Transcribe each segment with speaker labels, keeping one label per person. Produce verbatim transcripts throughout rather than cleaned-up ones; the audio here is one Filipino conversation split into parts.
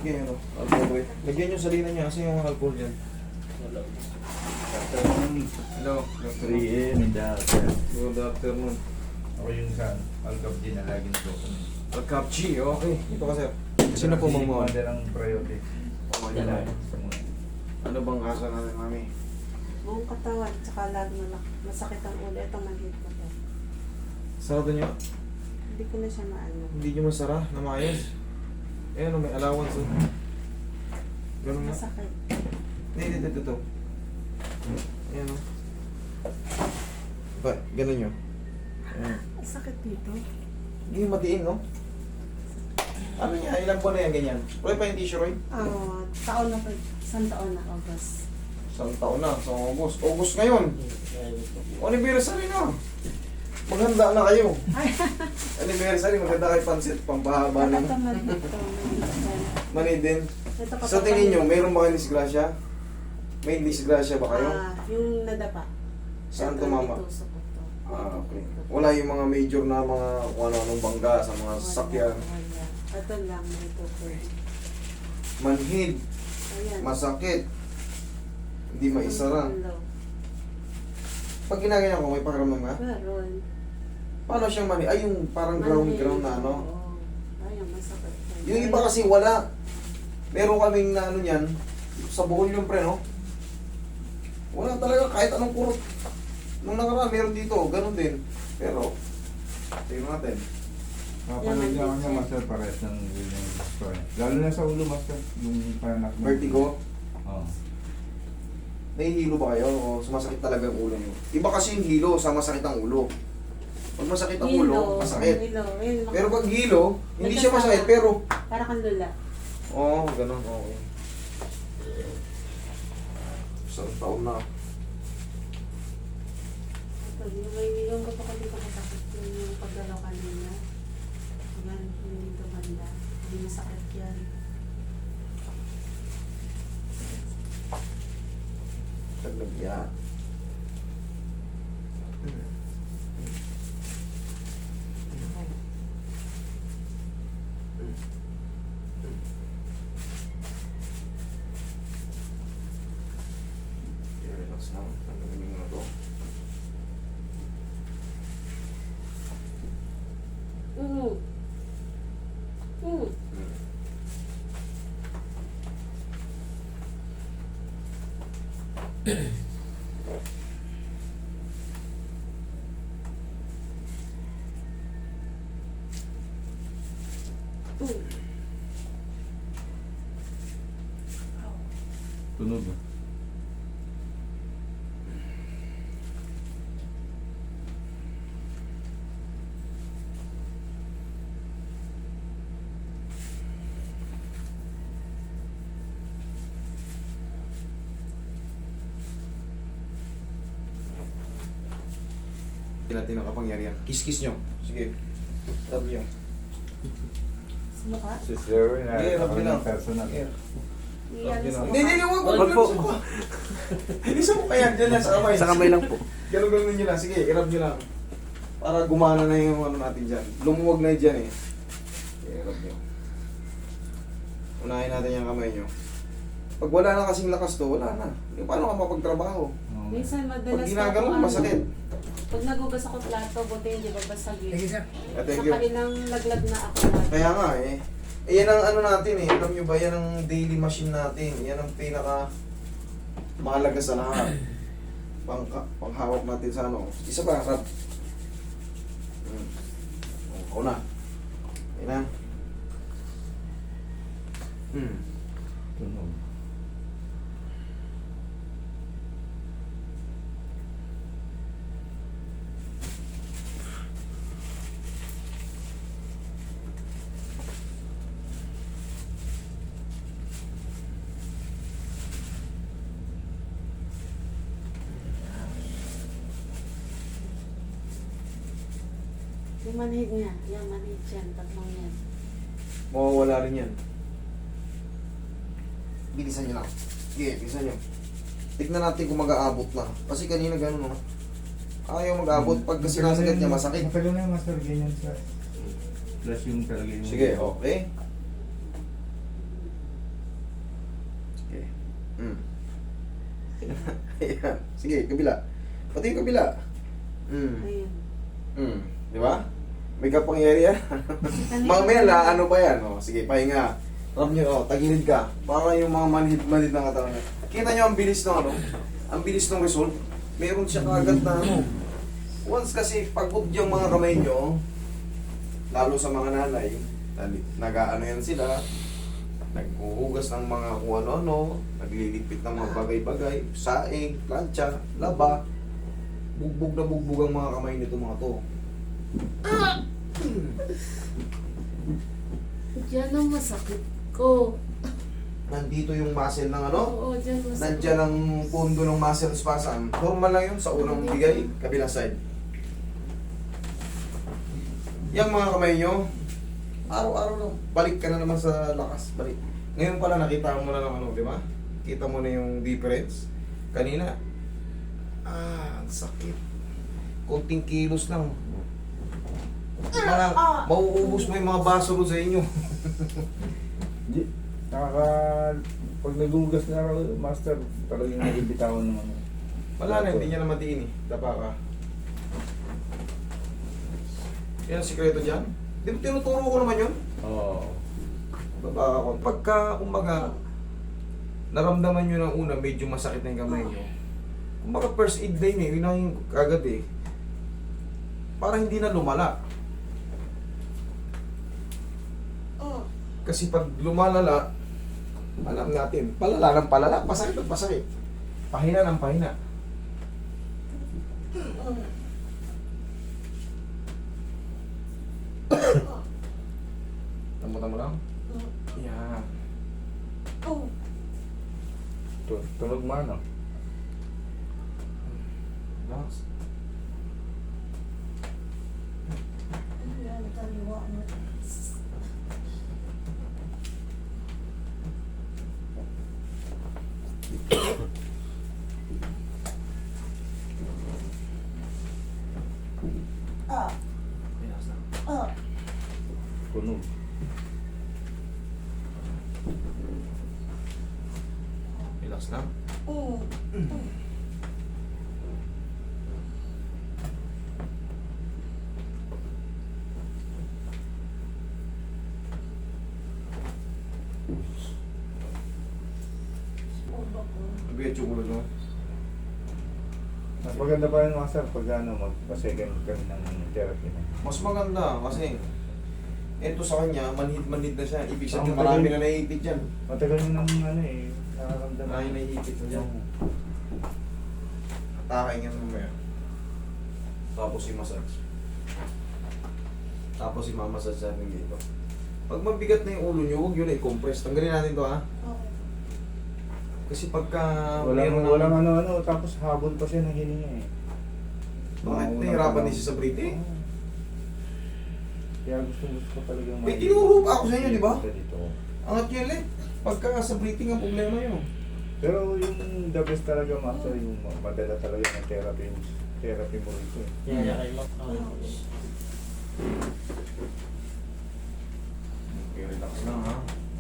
Speaker 1: Sige, ano, alcohol eh. Lagyan nyo salina niya kasi yung alcohol dyan.
Speaker 2: Wala.
Speaker 1: Hello, doctor.
Speaker 3: three A M in the hotel.
Speaker 1: Good afternoon.
Speaker 3: Ako yung sa Alcabdi na laging ko.
Speaker 1: Alcapchi, okay. Ito ka sir. Sino po mang mga?
Speaker 3: Mother ang priority.
Speaker 1: Oh,
Speaker 3: Yan
Speaker 1: yan
Speaker 3: lang.
Speaker 1: lang.
Speaker 3: Sa mga.
Speaker 1: Ano bang kaso natin, mami?
Speaker 4: Buong katawan, tsaka lalo na masakit ang ulo. Ito manhid ko to.
Speaker 1: Sarado nyo?
Speaker 4: Hindi ko na siya maano.
Speaker 1: Hindi nyo masara na maayos. Eh ano, may allowance oh. Ganun nga.
Speaker 4: Masakit.
Speaker 1: Hindi, hindi, ito, ito. Ayan o. Ba, ganun nyo. Ayan.
Speaker 4: Masakit dito.
Speaker 1: Hindi yung matiin, no? Ano niya, ilang buwan na yan, ganyan? Roy pa yung tissue, Roy?
Speaker 4: Ah, taon na pa. Isang taon na, August.
Speaker 1: Isang taon na, sa August. August ngayon. Anniversary na. Maghanda na kayo. Anniversary, maganda kayo pansit, pampahaba na.
Speaker 4: Ito manhid ko.
Speaker 1: Mani din.
Speaker 4: Ito
Speaker 1: Sa tingin nyo, mayroon ba kayong disgrasya? May disgrasya ba kayo?
Speaker 4: Ah, yung nadapa.
Speaker 1: Saan
Speaker 4: Ito,
Speaker 1: tumama?
Speaker 4: itusok ko to.
Speaker 1: Ah, okay. Wala yung mga major na mga kung ano-anong bangga sa mga
Speaker 4: Wala,
Speaker 1: sasakyan.
Speaker 4: wala. Ito lang, may tukod.
Speaker 1: Manhid,
Speaker 4: Ayan.
Speaker 1: masakit, hindi maisara.
Speaker 4: Hello.
Speaker 1: Pag ginaganyan ko, may pakiramdam ka?
Speaker 4: Meron.
Speaker 1: Paano siyang manhid? Ay, yung parang ground-ground na ano.
Speaker 4: Oo. Ayun, masakit.
Speaker 1: Yung iba kasi wala. Meron kaming na ano yan, sa buhol yung pre, no? Wala talaga kahit anong kurot. Nung nakaraan, meron dito, ganun din. Pero, tingnan natin.
Speaker 3: Kapanood niya ako niya, master, pares ng yung story. Lalo na sa ulo, master, yung panak mo.
Speaker 1: Vertigo,
Speaker 3: Oo.
Speaker 1: nahihilo ba kayo o sumasakit talaga ang ulo niyo? Iba kasi yung hilo sa masakit ang ulo. Pag masakit ang ulo, masakit.
Speaker 4: Hilo. Ayun,
Speaker 1: Pero pag hilo, hindi siya masakit, pero...
Speaker 4: para kang lula.
Speaker 1: Oo, oh, ganun, okay. Isang taon na.
Speaker 4: Ito, yung may yung ko pa dito masakit yung, yung paggalaw kanina. Yan, yung dito banda. Hindi masakit yan.
Speaker 1: Taglagya. Relax lang. Tanggalin mo na to.
Speaker 4: Mm. Mm. Mm.
Speaker 3: Tunog ah.
Speaker 1: Hindi natin ang kapangyarihan. Kiss-kiss nyo. Sige. Rub nyo.
Speaker 4: Sumuka?
Speaker 3: Si Sir, na
Speaker 1: Sige, rub
Speaker 3: ako
Speaker 1: nyo lang.
Speaker 3: ng personal.
Speaker 1: Sige.
Speaker 4: Iyan,
Speaker 1: Hindi,
Speaker 4: sumuka.
Speaker 1: hindi, hindi, wag, wag,
Speaker 2: Wag po.
Speaker 1: wag. Hindi sa mukha yan, dyan lang sa kamay.
Speaker 2: Sa kamay lang po.
Speaker 1: Ganun ganun nyo lang. Sige, i-rub nyo lang. Para gumana na yung ano natin dyan. Lumuwag na dyan eh. Sige, i-rub nyo. Unahin natin yung kamay nyo. Pag wala na kasing lakas to, wala na. Paano ka mapagtrabaho?
Speaker 3: Oo.
Speaker 4: Minsan
Speaker 1: Pag
Speaker 4: madalas
Speaker 1: ginagano,
Speaker 4: ako, ano,
Speaker 1: masakit.
Speaker 4: Pag nagugas ako plato, buti hindi babasagin.
Speaker 1: Ah,
Speaker 4: Sa
Speaker 1: thank you.
Speaker 4: kanilang laglag na ako lagi.
Speaker 1: Kaya nga eh. Eh, yan ang ano natin eh. Alam nyo ba, yan ang daily machine natin. Yan ang pinaka mahalaga sa lahat. Pang, panghawak natin sa ano. Isa pa, rub. Hmm. Ako na. Yan na. Hmm.
Speaker 3: Tunog.
Speaker 4: Yung manhid niya, yung manhid yan, tatlong yan.
Speaker 1: Mawawala rin yan. Bilisan nyo lang. Sige, bilisan nyo. Tignan natin kung mag-aabot na. Kasi kanina gano'n, no? Ayaw mag-aabot. Pag kasi nasagat niya, masakit.
Speaker 3: Matagal na yung master, ganyan sa... Plus yung talaga yung...
Speaker 1: Sige, okay. Mm. Ayan. Sige, kabila. Pati yung kabila. Mm.
Speaker 4: Ayun.
Speaker 1: Mm. Di ba? May kapangyarihan. Mamaya la, ano ba yan? O, sige, pahinga. Alam nyo, oh, tagilid ka. Para yung mga manhid-manhid ng katawan niya. Kita nyo ang bilis ng ano? Ang bilis ng result. Meron siya kagad na ano. Once kasi pagod yung mga kamay nyo, lalo sa mga nanay, nag-ano yan sila, naghuhugas ng mga kung ano-ano, nagliligpit ng mga bagay-bagay, saing, plancha, laba, bugbog na bugbog ang mga kamay nito mga to.
Speaker 4: Diyan ang masakit ko.
Speaker 1: Nandito yung muscle ng ano,
Speaker 4: Oo, diyan masakit.
Speaker 1: nandyan ang pundo ng muscle spasm. Normal lang yun sa unang bigay, kabilang side. Yang mga kamay nyo, araw-araw lang, balik ka na naman sa lakas, balik. Ngayon pala nakita mo na ng ano, di ba? Kita mo na yung difference. Kanina, ah, ang sakit. Konting kilos lang. Mga, mauubos mo yung mga baso ro sa inyo.
Speaker 3: Di, nakaka... Pag nagugas na raw, master, talagang nagibitawan naman.
Speaker 1: Wala na, hindi niya na matiin eh. Dapa ka. Yan ang sikreto dyan. Di ba tinuturo ko naman yun?
Speaker 3: Oo.
Speaker 1: Baba ako. Pagka, kumbaga, naramdaman nyo ng una, medyo masakit na yung kamay nyo. Kumbaga first aid day eh, yun ang yung kagad eh. Para hindi na lumala. Kasi pag lumalala, alam natin, palala ng palala, pasakit ng pasakit. Pahina ng pahina. Tamutan mo lang? Yan.
Speaker 3: Tu- Tunog mo ano?
Speaker 1: Relax. Relax lang.
Speaker 3: Tunog.
Speaker 1: Relax lang. Mabigat yung ulo, no?
Speaker 3: Mas maganda pa yung master pag ano, magpa-second kami ng therapy na.
Speaker 1: Mas maganda kasi ito sa kanya, manhid-manhid na siya. Ibig sabihin
Speaker 3: Ang
Speaker 1: marami
Speaker 3: matagal-
Speaker 1: na naiipit dyan.
Speaker 3: Matagal nyo nang ano eh, nakakamdaman.
Speaker 1: Marami na naiipit na dyan. Atake nga mamaya. Tapos i-massage. Tapos i-massage natin dito. Pag mabigat na yung ulo nyo, huwag yun na i-compress. Tanggalin natin to ha. Kasi pagka
Speaker 3: Walang,
Speaker 1: meron ng-
Speaker 3: walang ano-ano, tapos habol pa siya ng hininga eh.
Speaker 1: Bakit
Speaker 3: Mga
Speaker 1: nahihirapan
Speaker 3: unang
Speaker 1: din siya sa breathing?
Speaker 3: Oo. Kaya gusto gusto ko talaga
Speaker 1: May tinuro pa ako sa inyo, di ba?
Speaker 3: Dito.
Speaker 1: Angat yun ulit. Pagka sa breathing ang problema yun.
Speaker 3: Pero yung the best talaga master, yung madala talaga ng therapy, therapy mo rito eh.
Speaker 2: Yan, yan, kay Mac.
Speaker 1: Okay, relax lang ha.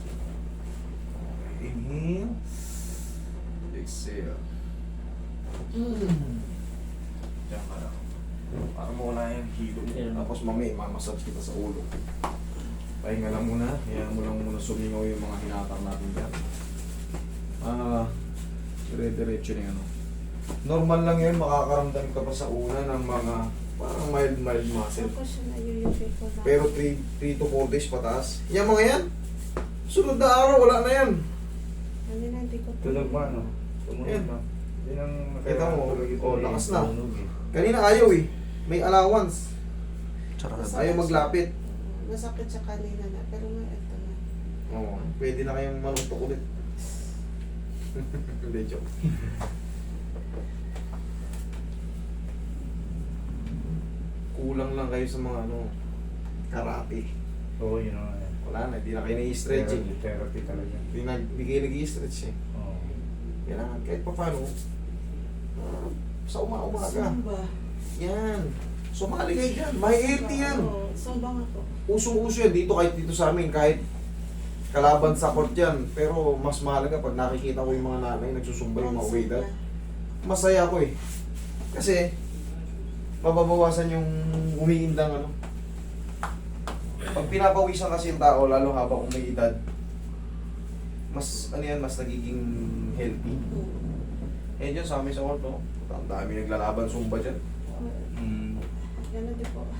Speaker 1: Okay, inhale. Exhale. Diyan ka lang. Para mo wala yung hilo mo. Tapos mamaya, mamassage kita sa ulo. Pahinga lang muna. Kaya mo lang muna sumingaw yung mga hinatak natin dyan. Ah, dire-diretso na yun. ano. Normal lang yun, makakaramdam ka pa sa una ng mga parang mild-mild muscle.
Speaker 4: Ako siya nayuyupit ko na.
Speaker 1: Pero three to four days pataas. Yan mga yan. Sunod na araw, wala na yan.
Speaker 4: Ano na, hindi ko
Speaker 3: Tunog mo ano?
Speaker 1: Yan.
Speaker 3: Tunog na. Yan ang
Speaker 1: Kita mo,
Speaker 3: tulog ito
Speaker 1: oh,
Speaker 3: eh,
Speaker 1: lakas na.
Speaker 3: tunog eh.
Speaker 1: Kanina ayaw eh. May allowance. Ayaw maglapit.
Speaker 4: Masakit siya kanina na, pero nga ito na.
Speaker 1: Oo, pwede na kayong manutok ulit. Hindi, joke. Kulang lang kayo sa mga ano, karate.
Speaker 3: Oo, yun ang ano.
Speaker 1: Wala na, hindi na kayo nai-stretching.
Speaker 3: Therapy, therapy talaga.
Speaker 1: Hindi na, hindi kayo nag-i-stretch eh.
Speaker 3: Oo.
Speaker 1: Kailangan kahit pa paano, ah, sa uma-umaga.
Speaker 4: Samba.
Speaker 1: Yan. Sumali kayo dyan. May healthy yan.
Speaker 4: Oo, samba nga po.
Speaker 1: Usong-uso yan dito kahit dito sa amin. Kahit Kalaban sa court yan. Pero mas mahalaga pag nakikita ko yung mga nanay nagsusumba yung mga edad. Masaya ako eh. Kasi, mababawasan yung umiindang ano. Pag pinapawisan kasi yung tao, lalo habang umiidad, mas, ano yan, mas nagiging healthy. Eh dyan sa amin sa court, no? Ang dami naglalaban sumba dyan.
Speaker 3: Mm.
Speaker 4: Ganun din po.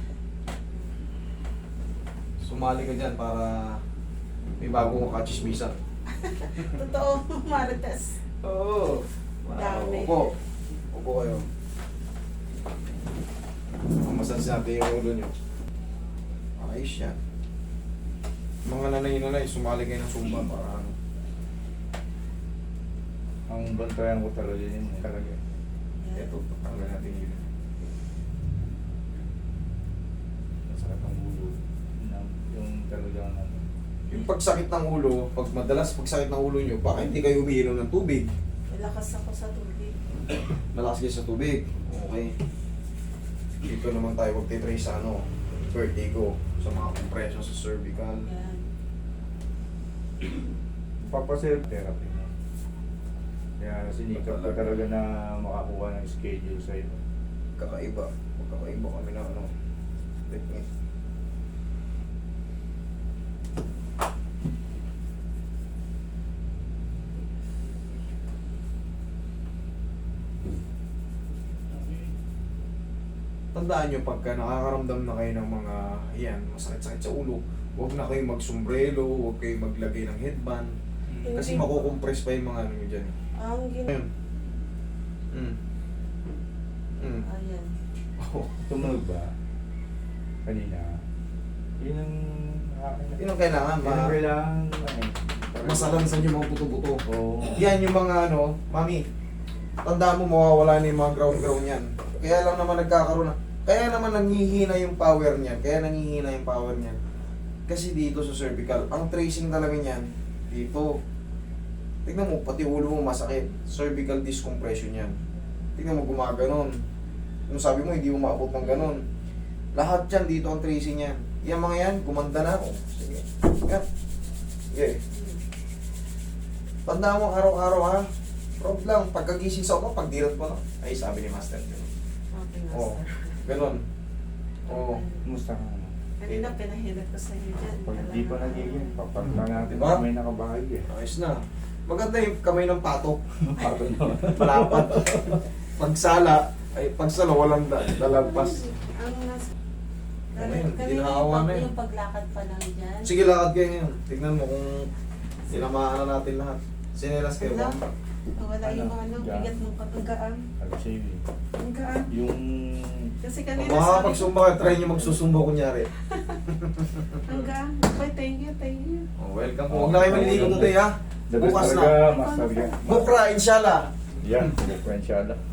Speaker 1: Sumali ka dyan para may bagong kachismisan.
Speaker 4: Totoo, Marites.
Speaker 1: Oo.
Speaker 4: Dami.
Speaker 1: Upo. Upo kayo. Mamasans natin yung ulo nyo. Ayos yan. Mga nanay-nanay, sumali kayo ng sumba para ano.
Speaker 3: Ang bantayan ko talaga yun. eh. Talaga.
Speaker 1: Ito, tanggal natin yun.
Speaker 3: Masakit ang ulo. Na- Yung talagang ano.
Speaker 1: Yung pagsakit ng ulo, pag madalas pagsakit ng ulo nyo, baka hindi kayo umiinom ng tubig.
Speaker 4: Malakas ako sa tubig.
Speaker 1: Malakas kayo sa tubig. Okay. Dito naman tayo magtitrace sa ano, vertigo, sa mga compression sa cervical.
Speaker 4: Yan.
Speaker 3: Papaself therapy mo. Kaya sinikap ko talaga na makakuha ng schedule sa'yo.
Speaker 1: Kakaiba. Magkakaiba kami ng ano, technique. Tandaan nyo, pagka nakakaramdam na kayo ng mga, yan, masakit-sakit sa ulo, huwag na kayong magsombrelo, huwag kayong maglagay ng headband. Kasi
Speaker 4: Hindi.
Speaker 1: makukompress pa yung mga ano nyo dyan.
Speaker 4: Ang gin...
Speaker 1: Ayun. Mm. Mm.
Speaker 4: Ayan.
Speaker 1: Oh.
Speaker 3: Tumunog ba? Kanina. Yun ang...
Speaker 1: Yun ang kailangan,
Speaker 3: Yun ang
Speaker 1: ma
Speaker 3: kailangan... ano,
Speaker 1: masalansan yung mga buto-buto.
Speaker 3: Oo.
Speaker 1: Yan yung mga ano, mami, tandaan mo mawawala na yung mga ground-ground yan. Kaya lang naman nagkakaroon na, kaya naman nanghihina yung power niyan, kaya nanghihina yung power niyan. Kasi dito sa cervical, ang tracing talaga niyan, dito. Tignan mo, pati ulo mo masakit. Cervical discompression yan. Tignan mo, gumaganon. Kung sabi mo, hindi mo maabot ng ganon. Lahat yan, dito ang tracing yan. Yan mga yan, gumanda na ako. Sige. Yan. Sige. Tandaan mo araw-araw ha. Prob lang, pagkagising sa ulo, pagdirat mo lang. Ay, sabi ni Master.
Speaker 4: Okay,
Speaker 1: Oo.
Speaker 4: master.
Speaker 1: Ganon. Oo.
Speaker 3: Kumusta ka naman?
Speaker 4: Kanina pinahirap ko sa inyo dyan.
Speaker 3: Pag di pa nagiging, papanta natin
Speaker 1: Diba?
Speaker 3: may nakabahag eh.
Speaker 1: Ayos na. Maganda yung kamay ng pato.
Speaker 3: Pato naman.
Speaker 1: Palapat. Pagsala, ay pagsala, walang da dalagpas.
Speaker 4: Ang nas...
Speaker 1: Ano yun?
Speaker 4: Kanina
Speaker 1: Ginhawa
Speaker 4: yung,
Speaker 1: na
Speaker 4: pag,
Speaker 1: yun.
Speaker 4: yung paglakad pa lang dyan.
Speaker 1: Sige, lakad kayo ngayon. Tignan mo kung tinamaan na natin lahat. Sinelas kayo ba?
Speaker 4: Wala. Wala yung
Speaker 3: Ano?
Speaker 4: ano,
Speaker 3: Dyan.
Speaker 4: bigat ng patunggaan.
Speaker 3: Alam siya yun.
Speaker 4: Ang gaan.
Speaker 3: Yung...
Speaker 4: Kasi
Speaker 1: Kung
Speaker 4: kanina sabi ko,
Speaker 1: makakapagsumba ka, try nyo magsusumba kunyari.
Speaker 4: ang gaan. Bye, thank you, thank you.
Speaker 1: Oh, welcome po. Huwag na kayo maliligo today ha.
Speaker 3: The best
Speaker 1: Bukas
Speaker 3: talaga,
Speaker 1: na.
Speaker 3: master yan.
Speaker 1: Bukra, inshallah.
Speaker 3: Yan, differential.